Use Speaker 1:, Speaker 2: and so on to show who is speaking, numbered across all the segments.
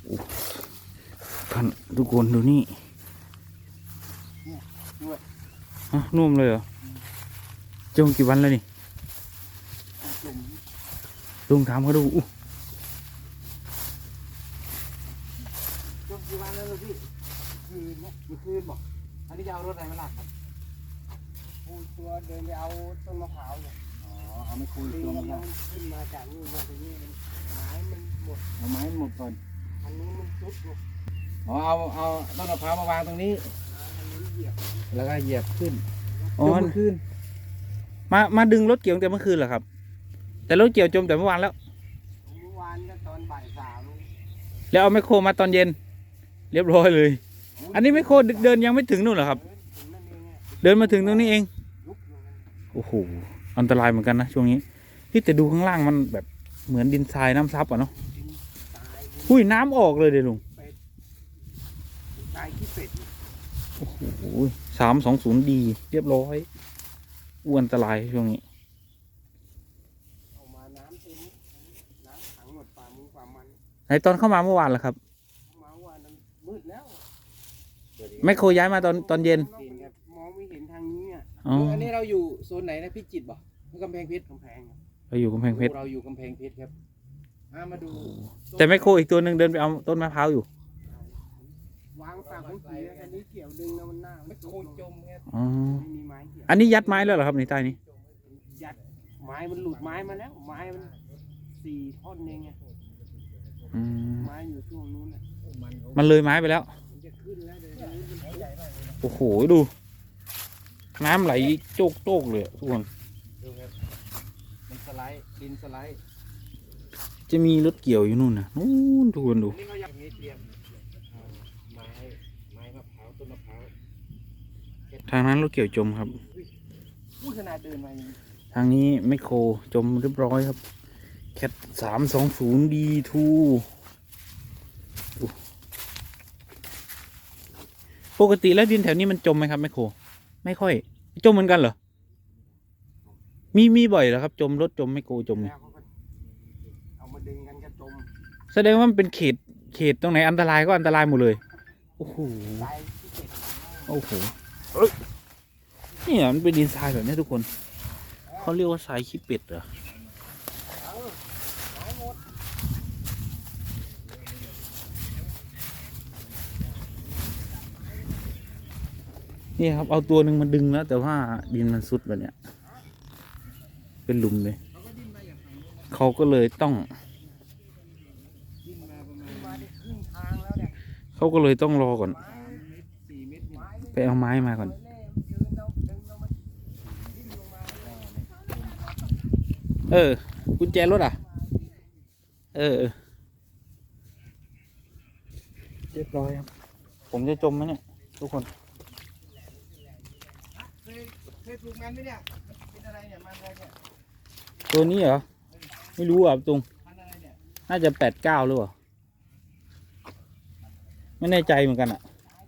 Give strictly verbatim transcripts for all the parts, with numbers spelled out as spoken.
Speaker 1: ท่านทุกคนดูนี่ฮะนุ่มเลยเหรอจมกี่วันแล้วนี่ลุงถามเขาดูอู้
Speaker 2: จมกี่วันแล้วลูกพี่คืนนะมีคืนบอกอันนี้จะเอารถอะไรมาลากครับปูตัวเดินไปเอาต้นมะพร้าวเนี่ยอ๋อเอาไม่คุยตัวมันขึ้นมาจากนี่มาตรงนี้ไม้มันหมดเอาไม้หมดก่อนอันนี้มันซุดลูกอ๋อเอาเอาต้นมะพร้าวมาวางตรงนี้แล้วก็เหยียบขึ้น
Speaker 1: อ๋อ
Speaker 2: จมขึ้น
Speaker 1: มามาดึงรถเกี่ยวแต่เมื่อคืนเหรอครับแต่รถเกี่ยวจมแต่เมื่อวานแล้ว
Speaker 2: เมื่อวานก็ตอนบ่ายสาม
Speaker 1: แล้วเอาไมคโครมาตอนเย็นเรียบร้อยเลยอันนี้ไมคโครเดินยังไม่ถึงนู่นเหรอครับเดินมาถึงตรงนี้เองโอ้โหอันตรายเหมือนกันนะช่วงนี้ที่แต่ดูข้างล่างมันแบบเหมือนดินทรายน้ำซับอ่ะเนาะหุ้ยน้ำออกเลยเดี๋ยวลุงโอ้โหสามสองศูนย์ดีเรียบร้อยอ้วนอันตรายช่วงนี้ไหนตอนเข้ามาเมื่อวานล่ะครับ
Speaker 2: มืดแล้ว
Speaker 1: ไมคโครย้ายมาตอนตอนเย็น
Speaker 2: มองไม่เห็นทางนี้อ่ะ
Speaker 1: อ๋อ
Speaker 2: อันนี้เราอยู่โซนไหนนะพิจิตรบ่กำแพงเพชรกำแพง
Speaker 1: เราอยู่กำแพงเพชร
Speaker 2: เราอยู่กำแพงเพชรครับมาดู
Speaker 1: แต่ไมคโครอีกตัวหนึ่งเดินไปเอาต้นมะพร้าวอยู่
Speaker 2: วางฝากของผีอันนี้เกี่ยวดึงแล้วมันหน้าไม่โคจมครับ
Speaker 1: อ๋ออันนี้ยัดไม้แล้วเหรอครับในใต้นี้
Speaker 2: ยัดไม้มันหลุดไม้มาแล้วไม้มันสี่ท่อนเองไงไม้อยู่ช่วงนู้นน่ะ
Speaker 1: มันเลยไม้ไปแล้วโอ้โหดูน้ำไหลโจกโจกเลยทุกคน
Speaker 2: ดูครับมันสไลด์ดินสไลด์
Speaker 1: จะมีรถเกี่ยวอยู่นู่นนะนู่นทุกคนดู
Speaker 2: นี่เขาอยากมีเตรียมไม้ไม้มะพร้าวต้นมะพร้าว
Speaker 1: ทางนั้นรถเกี่ยวจมครับ
Speaker 2: พูดขนาดเดินมา
Speaker 1: ทางนี้ไมคโครจมเรียบร้อยครับแคทสามสองศูนย์ดีทูปกติแล้วดินแถวนี้มันจมไหมครับไมคโครไม่ค่อยจมเหมือนกันเหรอมีมีบ่อยเหรอครับจมรถจมไมคโครจมเนี่ย
Speaker 2: เอามาดึงกันก็จม
Speaker 1: แสดงว่ามันเป็นเขตเขตตรงไหนอันตรายก็อันตรายหมดเลยโอ้โหโอ้โหนี่มันเป็นดินทรายแบบนี้ทุกคนเขาเรียกว่าทรายขี้เป็ดเหรอนี่ครับเอาตัวหนึ่งมาดึงแล้วแต่ว่าดินมันซุดแบบเนี้ยเป็นหลุมเลยเขาก็เลยต้องเขาก็เลยต้องรอก่อนไปเอาไม้มาก่อนเออกุญแจรถอ่ะเออเรียบร้อยครับผมจะจมไหมเนี่ยทุกคน
Speaker 2: เคยปลูกมันไหมเนี่ยเป็นอะไรเนี่ยมันอะไรเนี่ย
Speaker 1: ตัวนี้เหรอไม่รู้อ่ะตรงน่าจะแปดเก้าหรือเปล่าไม่แน่ใจเหมือนกันอ่ะ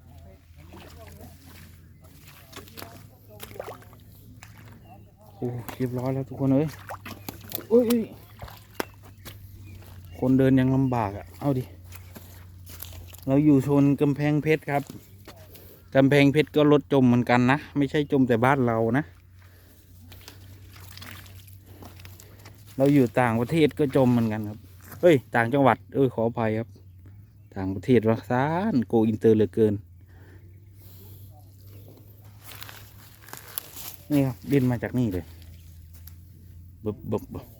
Speaker 1: โอ้เรียบร้อยแล้วทุกคนเอ้ยโอ้ยคนเดินยังลำบากอ่ะเอาดิเราอยู่โซนกำแพงเพชรครับกำแพงเพชรก็รถจมเหมือนกันนะไม่ใช่จมแต่บ้านเรานะเราอยู่ต่างประเทศก็จมเหมือนกันครับเฮ้ยต่างจังหวัดเออขออภัยครับต่างประเทศรักษาโกอินเตอร์เหลือเกินนี่ครับดินมาจากนี่เลยบบบบ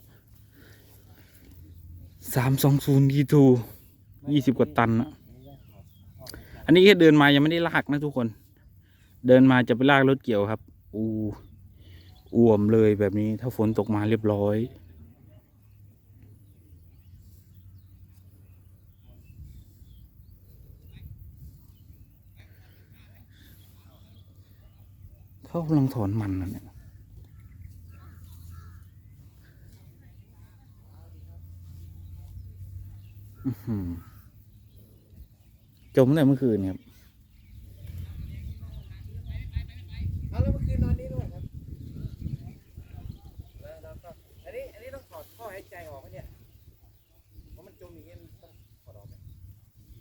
Speaker 1: สามสองศูนย์ดีทูยี่สิบกว่าตันนะอันนี้แค่เดินมายังไม่ได้ลากนะทุกคนเดินมาจะไปลากรถเกี่ยวครับอูอ่วมเลยแบบนี้ถ้าฝนตกมาเรียบร้อยเขากำลังถอนมันนะเนี่ยจมตั้งแต่เมื่อคืนครับ
Speaker 2: เอาแล้วเมื่อคืนนอนนี่ด้วยครับอันนี้อันนี้ต้องถอดท่อหายใจออกไหมเนี่ยเพราะมันจมอย่างเงี้ยต้องถอดออกไหม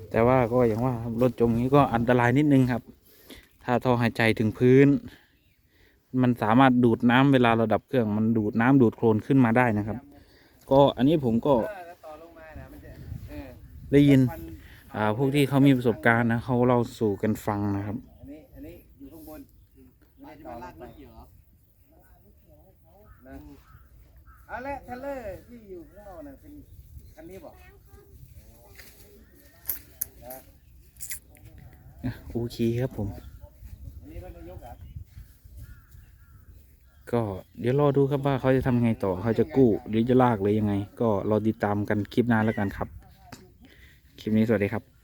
Speaker 1: แต่ว่าก็อย่างว่าครับรถจมนี้ก็อันตรายนิดนึงครับ ถ้าท่อหายใจถึงพื้น มันสามารถดูดน้ำเวลาเราดับเครื่อง มันดูดน้ำดูดโคลนขึ้นมาได้นะครับ ก็อันนี้ผมก็
Speaker 2: เออแล้วต่อลงมานะมันจะเออ
Speaker 1: ได้ยิน
Speaker 2: ควัน
Speaker 1: อ่าพวกที่เขามีประสบการณ์นะเขาเล่าสู่กันฟังนะครับ
Speaker 2: อันนี้อันนี้อยู่ข้างบนไม่ได้ต่อลงไปเหรอนะเอาละเทเลอร์ที่อยู่ข้างนอกน่ะเป็นคันนี้บอกนะ
Speaker 1: โอเคครับผม
Speaker 2: อันนี้รถนายกอ่ะ
Speaker 1: ก็เดี๋ยวรอดูครับว่าเขาจะทำไงต่อเขาจะกู้หรือจะลากหรือยังไง ก็รอติดตามกันคลิปหน้าแล้วกันครับ คลิปนี้สวัสดีครับ